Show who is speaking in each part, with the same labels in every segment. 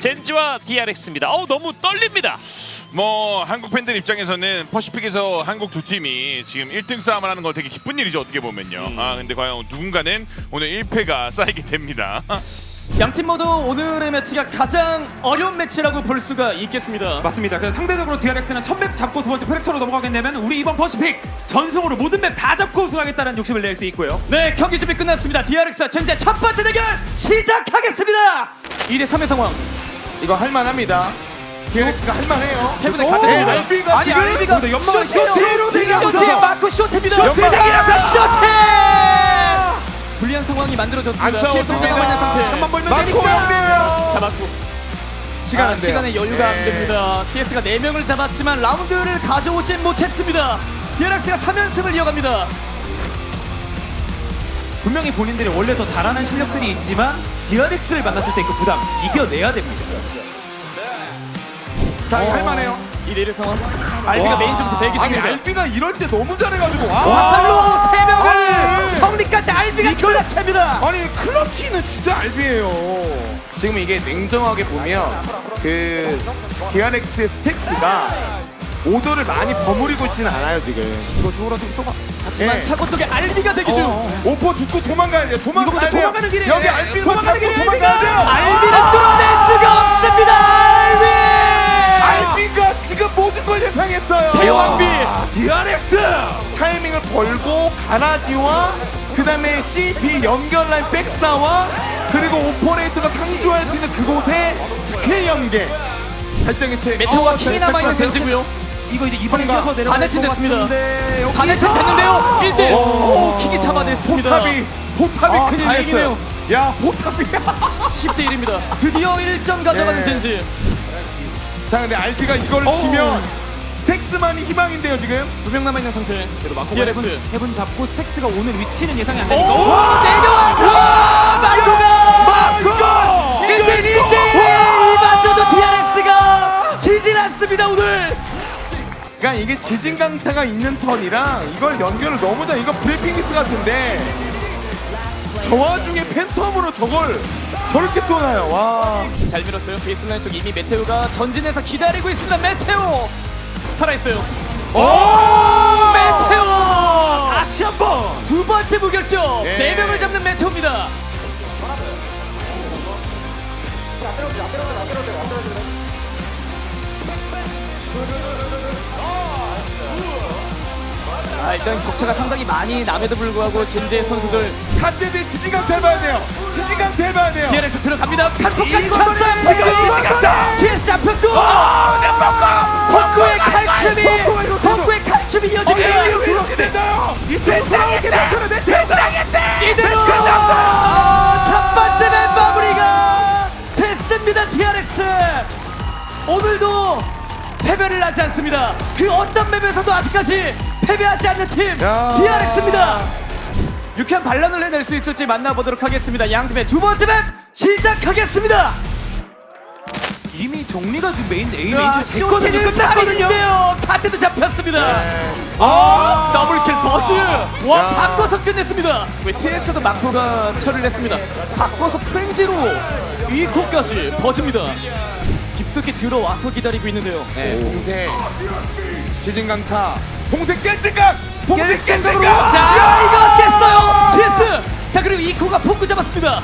Speaker 1: 젠지와 DRX입니다. 너무 떨립니다.
Speaker 2: 뭐 한국 팬들 입장에서는 퍼시픽에서 한국 두 팀이 지금 1등 싸움을 하는 거 되게 기쁜 일이죠, 어떻게 보면요. 근데 과연 누군가는 오늘 1패가 쌓이게 됩니다.
Speaker 3: 양팀 모두 오늘의 매치가 가장 어려운 매치라고 볼 수가 있겠습니다.
Speaker 4: 맞습니다. 그래서 상대적으로 DRX는 첫 맵 잡고 두 번째 프랙처로 넘어가게 되면 우리 이번 퍼시픽 전승으로 모든 맵 다 잡고 우승하겠다는 욕심을 낼 수 있고요.
Speaker 3: 네, 경기 준비 끝났습니다. DRX와 젠지의 첫 번째 대결 시작하겠습니다. 2대 3의 상황.
Speaker 5: 이거 할만합니다. DRX가 할만해요.
Speaker 3: 해븐에 가득
Speaker 5: 네,
Speaker 3: 니다
Speaker 5: 알비가
Speaker 3: 아니
Speaker 5: 지금
Speaker 3: 알비가
Speaker 4: 근데 연막을
Speaker 3: 쇼트로
Speaker 4: 쇼트로
Speaker 3: 쇼트 마크 쇼트입니다.
Speaker 5: 쇼트입니다.
Speaker 3: 쇼트. 불리한 상황이 만들어졌습니다.
Speaker 5: 안
Speaker 3: 피해서
Speaker 5: 싸웠습니다.
Speaker 3: 남아 있는 상태.
Speaker 4: 한번 벌면
Speaker 5: 마코
Speaker 4: 되니까.
Speaker 5: 형님이에요.
Speaker 3: 잡았고
Speaker 5: 시간 안 돼요.
Speaker 3: 시간에 여유가 안
Speaker 5: 네.
Speaker 3: 됩니다. TS가 4명을 잡았지만 라운드를 가져오진 못했습니다. DRX가 3연승을 이어갑니다.
Speaker 4: 분명히 본인들이 원래 더 잘하는 실력들이 있지만 DRX를 만났을 때 그 부담 이겨내야 됩니다.
Speaker 5: 자, 이거 할만해요.
Speaker 3: 2대1의 상황. 알비가 메인 쪽에서 대기
Speaker 5: 아니
Speaker 3: 중입니다.
Speaker 5: 알비가 이럴 때 너무 잘해가지고
Speaker 3: 화살로 3명을
Speaker 5: 아니.
Speaker 3: 정리까지 알비가 결락합니다.
Speaker 5: 아니 클러치는 진짜 알비예요. 지금 이게 냉정하게 보면 그 DRX의 스택스가 오더를 많이 버무리고 있지는 않아요 지금.
Speaker 4: 이거 죽으러 좀 쏘가.
Speaker 3: 하지만
Speaker 5: 네.
Speaker 3: 차고 쪽에 알비가 대기 중.
Speaker 5: 오퍼 죽고 도망가야 돼요. 도망가야
Speaker 4: 이거
Speaker 5: 돼요.
Speaker 4: 도망가는 길이에요.
Speaker 5: 여기 알비만
Speaker 4: 도망가는
Speaker 5: 잡고
Speaker 4: 길이에요,
Speaker 5: 도망가야 돼요.
Speaker 3: 알비를 뚫어낼 수가 없습니다. 알비.
Speaker 5: 알비가 지금 모든 걸 예상했어요.
Speaker 3: 대왕비.
Speaker 4: DRX!
Speaker 5: 타이밍을 벌고 가라지와 그 다음에 CP 연결라인 백사와 그리고 오퍼레이터가 상주할 수 있는 그곳에 스킬 연계 발정의체
Speaker 3: 메테오와 킹이 남아있는 젠지고요.
Speaker 4: 이거 이제 이번에
Speaker 5: 선가.
Speaker 4: 이어서 내려갈
Speaker 3: 반해친
Speaker 4: 것
Speaker 3: 됐습니다.
Speaker 4: 같은데 여기서-
Speaker 3: 반해친 됐는데요. 1대1.
Speaker 5: 오.
Speaker 3: 오, 킹이 잡아냈습니다.
Speaker 5: 포탑이 큰일
Speaker 3: 다행이네요.
Speaker 5: 났어요. 야 포탑이
Speaker 3: 10대1입니다. 드디어 1점 가져가는
Speaker 5: 네.
Speaker 3: 젠지.
Speaker 5: 자 근데 RP가 이걸 치면 스택스만이 희망인데요 지금.
Speaker 3: 2명 남아있는 상태.
Speaker 4: 그래도 마코가
Speaker 3: DRX.
Speaker 4: 헤븐 잡고 스택스가 오는 위치는 예상이 안
Speaker 3: 오,
Speaker 4: 되니까
Speaker 3: 내려와서 마코가 1대1 이마저도 DRX가 지진 않습니다 오늘.
Speaker 5: 그러니까 이게 지진강타가 있는 턴이랑 이걸 연결을 너무 다 이거 브레이핑 미스 같은데 저 와중에 팬텀으로 저걸 저렇게 쏘나요. 와.
Speaker 3: 잘 밀었어요. 베이스라인 쪽 이미 메테오가 전진해서 기다리고 있습니다. 메테오 살아있어요. 오 메테오
Speaker 4: 다시 한번
Speaker 3: 두 번째 무결점.
Speaker 5: 예.
Speaker 3: 4명을 잡는 메테오입니다. 일단 격차가 상당히 많이 남에도 불구하고 젠지의 선수들
Speaker 5: 갓데드 지진강타 해봐야 돼요. 지진강타 해봐야 돼요.
Speaker 3: DRX 들어갑니다. 칼폭까지
Speaker 4: 이거
Speaker 3: 쳤어요.
Speaker 4: 지금
Speaker 5: 지진강타.
Speaker 3: TS 잡혔고 폭구의 칼춤이 폭구의 칼춤이 이어집니다.
Speaker 5: 이렇게 된다요.
Speaker 3: 이대로 첫 번째 맵 마무리가 됐습니다. DRX 오늘도 패배를 하지 않습니다. 그 어떤 맵에서도 아직까지 패배하지 않는 팀
Speaker 5: 야.
Speaker 3: DRX입니다. 유쾌한 반란을 해낼 수 있을지 만나보도록 하겠습니다. 양팀의 두 번째 맵 시작하겠습니다.
Speaker 4: 이미 정리가 지금 메인 A 메인
Speaker 3: 야,
Speaker 4: 중 됐거든요.
Speaker 3: 쇼트는
Speaker 4: 끝났거든요.
Speaker 3: 살인인데요. 카트도 잡혔습니다. 더블킬 버즈. 와
Speaker 5: 야.
Speaker 3: 바꿔서 끝냈습니다. 왜 TS도 마코가 처리를 했습니다. 바꿔서 프렌즈로 이 코까지 버즈입니다. 깊숙이 들어와서 기다리고 있는데요.
Speaker 5: 네, 봉쇄 지진강타 봉쇄 깬 생각 봉쇄 깬 생각.
Speaker 3: 자 이거 깼어요. TS. 자 그리고 이코가 포크 잡았습니다.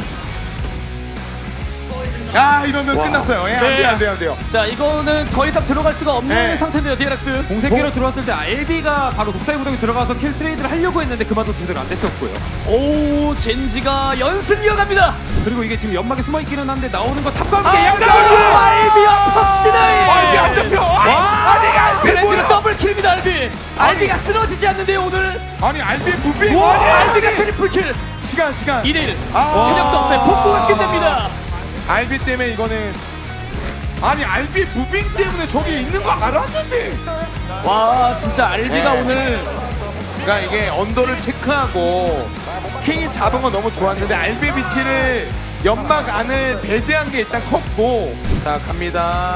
Speaker 5: 야 이러면 끝났어요. 예,
Speaker 3: 네.
Speaker 5: 안 돼요.
Speaker 3: 자 이거는 더 이상 들어갈 수가 없는
Speaker 5: 네.
Speaker 3: 상태인데요. DRX.
Speaker 4: 공세기로 들어왔을 때 알비가 바로 독사의 구덩이 들어가서 킬 트레이드를 하려고 했는데 그만도 제대로 안 됐었고요.
Speaker 3: 오 젠지가 연승 이어갑니다.
Speaker 4: 그리고 이게 지금 연막에 숨어 있기는 한데 나오는 거 탑과 함께
Speaker 3: 아,
Speaker 4: 양각으로
Speaker 3: 알비와 퍽시나이.
Speaker 5: 알비 안 잡혀. 아니 알비
Speaker 3: 그랜지가
Speaker 5: 뭐야?
Speaker 3: 더블킬입니다. 알비. 알비가 쓰러지지 않는데요 오늘.
Speaker 5: 아니 알비 무빙.
Speaker 3: 와
Speaker 5: 아니,
Speaker 3: 알비가 트리플킬.
Speaker 5: 시간
Speaker 3: 2대1.
Speaker 5: 아.
Speaker 3: 체력도 없어요. 복구가 끝납니다.
Speaker 5: 알비 때문에 이거는 아니 알비 무빙 때문에 저기 있는 거 알았는데.
Speaker 3: 와 진짜 알비가
Speaker 5: 네.
Speaker 3: 오늘
Speaker 5: 그러니까 이게 언더를 체크하고 킹이 잡은 건 너무 좋았는데 알비 위치를 연막 안을 배제한 게 일단 컸고. 자 갑니다.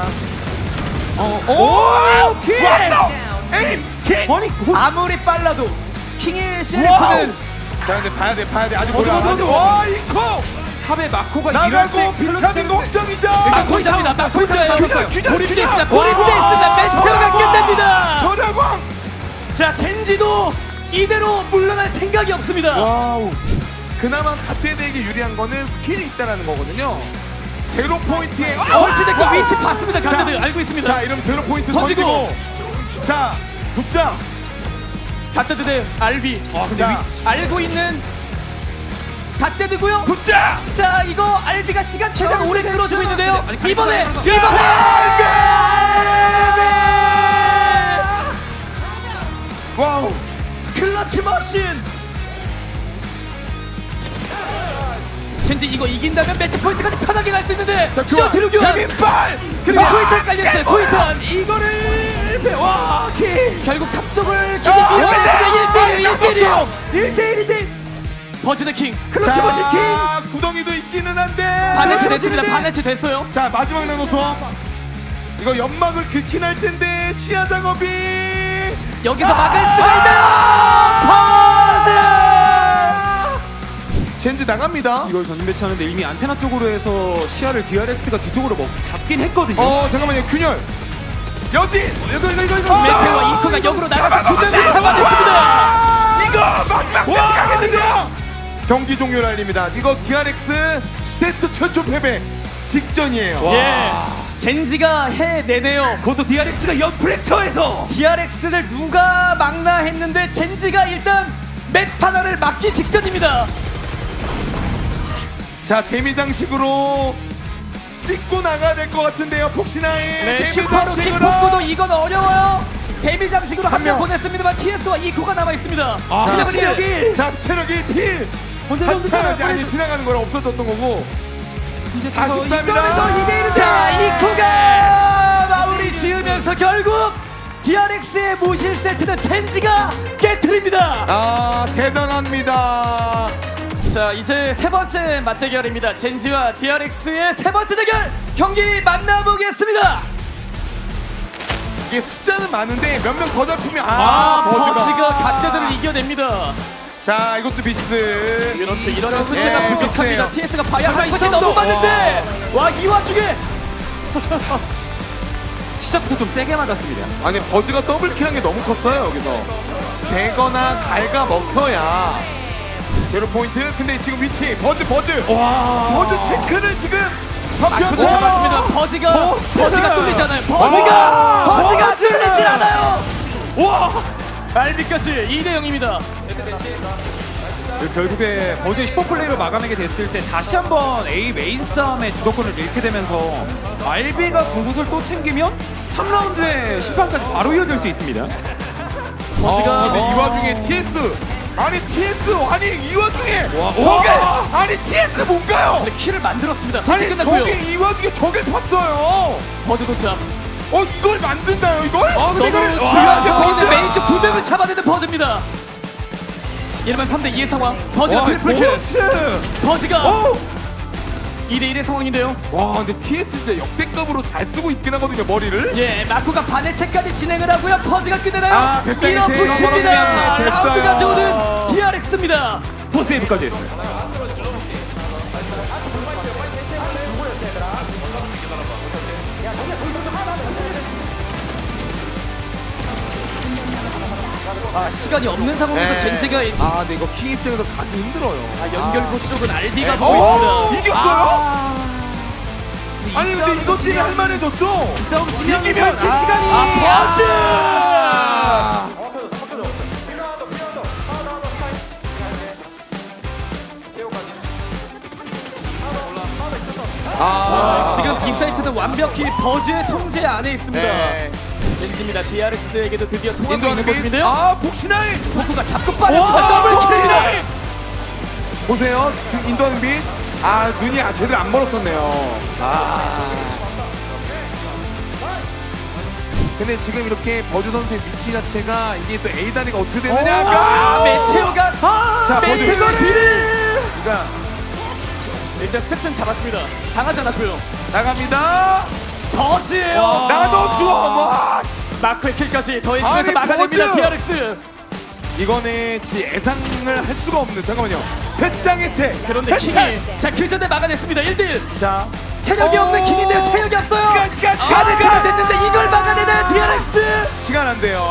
Speaker 5: 오 킹. 왔다. 에임 킹.
Speaker 4: 아니
Speaker 3: 아무리 빨라도 킹의
Speaker 5: 와우.
Speaker 3: 실리프는
Speaker 5: 자 근데 봐야 돼 아직
Speaker 4: 어디,
Speaker 5: 몰라.
Speaker 4: 어디, 어디,
Speaker 5: 와 이코
Speaker 4: 탑에 마코가
Speaker 5: 나가고
Speaker 4: 이럴 때
Speaker 5: 비타민 걱정이죠.
Speaker 3: 마코이자입니다. 마코이자예요.
Speaker 5: 균열, 균열,
Speaker 3: 고립돼
Speaker 5: 균열.
Speaker 3: 있습니다. 고립돼 있습니다. 메테오가 끝냅니다.
Speaker 5: 절약왕.
Speaker 3: 자, 젠지도 이대로 물러날 생각이 없습니다.
Speaker 5: 와우. 그나마 갓데드에게 유리한 거는 스킬이 있다라는 거거든요. 제로 포인트에
Speaker 3: 설치된 거 위치 봤습니다. 가드들 알고 있습니다.
Speaker 5: 자, 이러면 제로 포인트
Speaker 3: 던지고.
Speaker 5: 던지고. 자, 붙자.
Speaker 3: 갓데드 대 알비.
Speaker 5: 자,
Speaker 3: 알고 있는 갓데드고요.
Speaker 5: 붙자.
Speaker 3: 자, 이거 알비가 시간 최대한 오래 끌어주고 있는데요.
Speaker 4: 아니,
Speaker 3: 이번에
Speaker 4: 가리지
Speaker 5: 와우.
Speaker 3: 클러치 머신. 젠지 이거 이긴다면 매치 포인트까지 편하게 갈 수 있는데 시어 대륙 교환
Speaker 5: 빈발.
Speaker 3: 그리고 소이탄 깔렸어요. 소이탄
Speaker 4: 이거를 와 킬.
Speaker 3: 결국 탑 쪽을 기기 밀어냈습니다. 1대1
Speaker 4: 1대1
Speaker 3: 버즈드 킹
Speaker 4: 클러치 머신 킹.
Speaker 5: 구덩이도 있기는 한데.
Speaker 3: 바네트 됐습니다. 바네트 됐어요.
Speaker 5: 자, 마지막 나노 수업. 이거 연막을 긁긴 할 텐데 시야 작업이
Speaker 3: 여기서 막을 수가 있나요?
Speaker 5: 젠지 나갑니다.
Speaker 4: 이걸 전진 배치하는데 이미 안테나 쪽으로 해서 시야를 DRX가 뒤쪽으로 잡긴 했거든요.
Speaker 5: 잠깐만요. 균열. 여진.
Speaker 4: 이거
Speaker 3: 메테오와 이코가 역으로 나가서 두 명을 잡아냈습니다.
Speaker 5: 이거 마지막 세트 가겠는데요. 경기 종료 날립니다. 이거 DRX 세트 최초 패배 직전이에요.
Speaker 3: 예, 젠지가 해내네요.
Speaker 4: 그것도 DRX가 연 프랙처에서
Speaker 3: DRX를 누가 막나 했는데 젠지가 일단 맵 하나를 막기 직전입니다.
Speaker 5: 자, 데미 장식으로 찍고 나가야 될 것 같은데요. 폭신아이.
Speaker 3: 네,
Speaker 5: 데미
Speaker 3: 슈퍼루키
Speaker 5: 장식으로.
Speaker 3: 폭구도 이건 어려워요. 데미 장식으로 한 명
Speaker 5: 명.
Speaker 3: 보냈습니다만 TS와 이코가 남아 있습니다.
Speaker 5: 자,
Speaker 3: 체력은 1.
Speaker 5: 자, 체력 1필. 다시 차야지. 아니, 지나가는 거랑 없어졌던 거고.
Speaker 4: 이제
Speaker 5: 43이다.
Speaker 3: 자, 이코가 마무리 지으면서 결국 DRX의 무실 세트는 젠지가 깨트립니다.
Speaker 5: 아, 대단합니다.
Speaker 3: 자, 이제 세 번째 맞대결입니다. 젠지와 DRX의 세 번째 대결 경기 만나보겠습니다.
Speaker 5: 이게 숫자는 많은데 몇 명 더 잡히면
Speaker 3: 버즈가 갓데드를 이겨냅니다.
Speaker 5: 자, 이것도 미스.
Speaker 3: 그렇죠. 이러면 숫자가
Speaker 5: 예,
Speaker 3: 부족합니다.
Speaker 5: 좋네요.
Speaker 3: TS가 봐야 할
Speaker 4: 설마
Speaker 3: 것이
Speaker 4: 이
Speaker 3: 너무
Speaker 4: 정도?
Speaker 3: 많은데 와, 이 와중에
Speaker 4: 시작부터 좀 세게 맞았습니다.
Speaker 5: 아니, 버즈가 더블킬한 게 너무 컸어요. 여기서 되거나 갈가 먹혀야 제로 포인트. 근데 지금 위치 버즈
Speaker 4: 와.
Speaker 5: 버즈 체크를 지금
Speaker 3: 마크도 잡았습니다. 버즈가 뚫리잖아요.
Speaker 5: 와,
Speaker 3: 버즈가
Speaker 5: 버즈!
Speaker 3: 뚫리질 않아요.
Speaker 4: 와.
Speaker 3: 알비까지 2대 0입니다.
Speaker 4: 결국에 버즈의 슈퍼플레이로 마감하게 됐을 때 다시 한번 A 메인 싸움의 주도권을 잃게 되면서 알비가 궁구슬 또 챙기면 3라운드에 심판까지 바로 이어질 수 있습니다.
Speaker 3: 버즈가
Speaker 5: 근데 이 와중에 TS 아니 이 와중에
Speaker 4: 와.
Speaker 5: 저게
Speaker 4: 와.
Speaker 5: 아니 TS 뭔가요?
Speaker 3: 근데 키를 만들었습니다.
Speaker 5: 아니
Speaker 3: 선제 끝났고요.
Speaker 5: 저게 이 와중에 저게 팠어요.
Speaker 3: 버즈 도착.
Speaker 5: 이걸 만든다요 이걸?
Speaker 3: 너무
Speaker 4: 이걸-
Speaker 3: 중요한
Speaker 5: 와,
Speaker 3: 버즈
Speaker 5: 버즈!
Speaker 3: 메인 쪽 두 명을 잡아내는 버즈입니다. 이러면 3대 2의 상황. 버즈가 트리플킬. 버즈가 2대 1의 상황인데요.
Speaker 5: 와, 근데 TS 진짜 역대급으로 잘 쓰고 있긴 하거든요 머리를.
Speaker 3: 예, 마코가 반해체까지 진행을 하고요. 버즈가 끝내나요?
Speaker 5: 배짱이
Speaker 3: 밀어붙입니다.
Speaker 5: 제일
Speaker 3: 라운드
Speaker 5: 됐어요.
Speaker 3: 가져오는 DRX입니다.
Speaker 4: 포스테이브까지 했어요.
Speaker 3: 시간이 없는 상황에서
Speaker 5: 네.
Speaker 3: 젠지가
Speaker 5: 근데 이거 킹 입장에서 가기 힘들어요.
Speaker 3: 연결고 쪽은 알비가
Speaker 5: 네.
Speaker 3: 보고 있습니다.
Speaker 5: 이겼어요? 아니 근데 이것 때문에 할만해졌죠?
Speaker 4: 싸움 지면
Speaker 5: 이기면
Speaker 4: 설치 시간이
Speaker 3: 지금 빅사이트는 완벽히 버즈의 통제 안에 있습니다.
Speaker 5: 네.
Speaker 3: 젠지입니다. DRX에게도 드디어 통하고
Speaker 5: 인도하는
Speaker 3: 있는 모습인데요.
Speaker 5: 복신아이.
Speaker 3: 포크가 잡고 빠졌습니다. 더블킬입니다.
Speaker 5: 보세요. 지금 인도하는 빛. 눈이 제대로 안 멀었었네요. 근데 지금 이렇게 버즈 선수의 위치 자체가 이게 또 A 다리가 어떻게 되느냐가.
Speaker 3: 메테오가
Speaker 5: 자, 버즈.
Speaker 3: 메테오가 뒤를
Speaker 5: 그러니까
Speaker 3: 일단 스택슨 잡았습니다. 당하지 않았고요.
Speaker 5: 나갑니다.
Speaker 3: 버즈예요.
Speaker 5: 나도 좋아.
Speaker 3: 마크의 킬까지 더해지면서
Speaker 5: 아니,
Speaker 3: 막아냅니다.
Speaker 5: 버즈!
Speaker 3: DRX.
Speaker 5: 이거는 예상을 할 수가 없는. 잠깐만요. 배짱 해체.
Speaker 3: 그런데
Speaker 5: 배짱.
Speaker 3: 킹이 자그 전에 막아냈습니다. 1대1.
Speaker 5: 자,
Speaker 3: 체력이 없는 킹인데요. 체력이 없어요.
Speaker 5: 시간.
Speaker 3: 아직까지 됐는데 이걸 막아내는 DRX.
Speaker 5: 시간 안 돼요.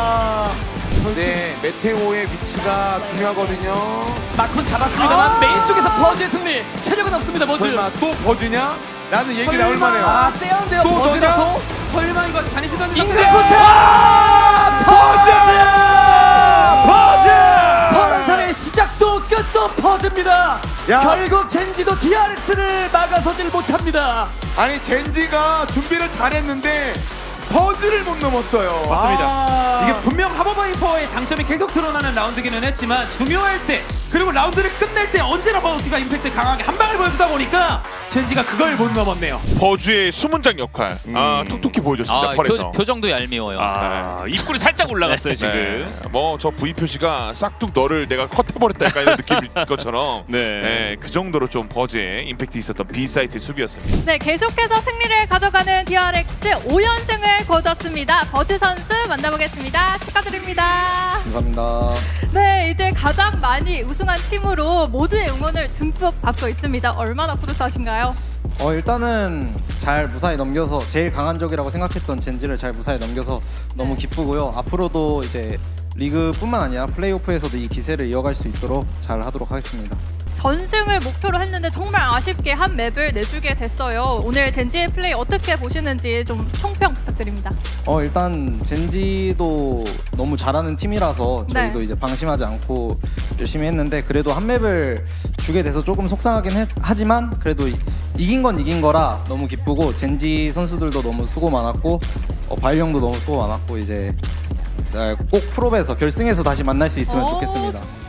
Speaker 5: 네, 메테오의 위치가 중요하거든요.
Speaker 3: 마크는 잡았습니다만 메인 쪽에서 버즈의 승리. 체력은 없습니다. 버즈.
Speaker 5: 설마 또 버즈냐? 라는 얘기 나올 만해요.
Speaker 3: 아 세운데요.
Speaker 5: 또
Speaker 3: 버즈라서.
Speaker 4: 설마 이거 다니시던
Speaker 3: 잉그레프타 버즈.
Speaker 5: 버즈!
Speaker 3: 퍼런상의 시작도 끝도 버즈입니다.
Speaker 5: 야.
Speaker 3: 결국 젠지도 DRX를 막아서질 못합니다.
Speaker 5: 아니 젠지가 준비를 잘했는데 버즈를 못 넘었어요.
Speaker 4: 맞습니다. 이게 분명 하버바이퍼의 장점이 계속 드러나는 라운드기는 했지만 중요할 때 그리고 라운드를 끝낼 때 언제나 버즈가 임팩트 강하게 한 방을 보여주다 보니까 젠지가 그걸 못 넘었네요.
Speaker 2: 버즈의 수문장 역할 톡톡히 보여줬습니다. 펄에서.
Speaker 1: 표정도 얄미워요. 입꼬리 살짝 올라갔어요 지금.
Speaker 2: 뭐저 V 표시가 싹둑 너를 내가 컷해버렸다 약간 이런 느낌일 것처럼
Speaker 1: 네.
Speaker 2: 그 정도로 좀 버즈의 임팩트 있었던 B 사이트 수비였습니다.
Speaker 6: 네, 계속해서 승리를 가져가는 DRX 5연승을 거뒀습니다. 버즈 선수 만나보겠습니다. 축하드립니다.
Speaker 7: 감사합니다.
Speaker 6: 네, 이제 가장 많이 우승한 팀으로 모두의 응원을 듬뿍 받고 있습니다. 얼마나 뿌듯하신가요?
Speaker 7: 일단은 잘 무사히 넘겨서 제일 강한 적이라고 생각했던 젠지를 잘 무사히 넘겨서 너무 기쁘고요. 앞으로도 이제 리그뿐만 아니라 플레이오프에서도 이 기세를 이어갈 수 있도록 잘 하도록 하겠습니다.
Speaker 6: 전승을 목표로 했는데 정말 아쉽게 한 맵을 내주게 됐어요. 오늘 젠지의 플레이 어떻게 보시는지 좀 총평 부탁드립니다.
Speaker 7: 일단 젠지도 너무 잘하는 팀이라서 저희도
Speaker 6: 네.
Speaker 7: 이제 방심하지 않고 열심히 했는데 그래도 한 맵을 주게 돼서 조금 속상하긴 하지만 그래도 이긴 건 이긴 거라 너무 기쁘고 젠지 선수들도 너무 수고 많았고 바일 형도 너무 수고 많았고 이제 꼭 프로에서 결승에서 다시 만날 수 있으면 좋겠습니다.